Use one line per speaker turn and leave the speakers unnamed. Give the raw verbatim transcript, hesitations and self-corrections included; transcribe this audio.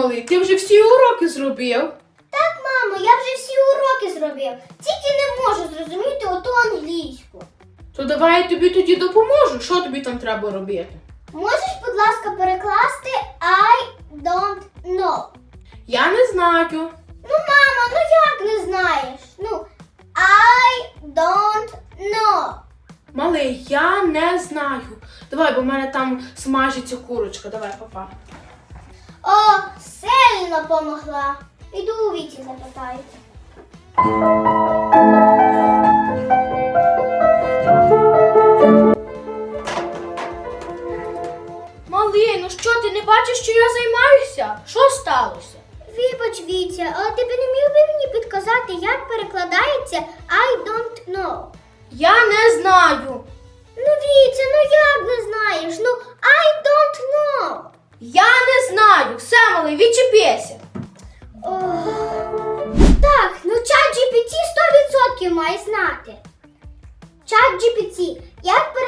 малий, ти вже всі уроки зробив?
Так, мамо, я вже всі уроки зробив. Тільки не можу зрозуміти оту англійську.
То давай я тобі тоді допоможу. Що тобі там треба робити?
Можеш, будь ласка, перекласти I don't know?
Я не знаю.
Ну, мама, ну як не знаєш? Ну, I don't know.
Малий, я не знаю. Давай, бо в мене там смажиться курочка. Давай, папа.
О, сильно помогла. Іду у Віті запитаю.
Малий, ну що, ти не бачиш, що я займаюся? Що сталося?
Вибач, Вітя, але ти б не міг би мені підказати, як перекладається I don't know?
Я не знаю.
Ну, Вітя, ну як не знаєш? Ну, I don't know.
Я не знаю. Все, малий, відчепися.
Ох. Так, ну чат джі пі ті сто відсотків має знати. Чат джі пі ті, як перекладається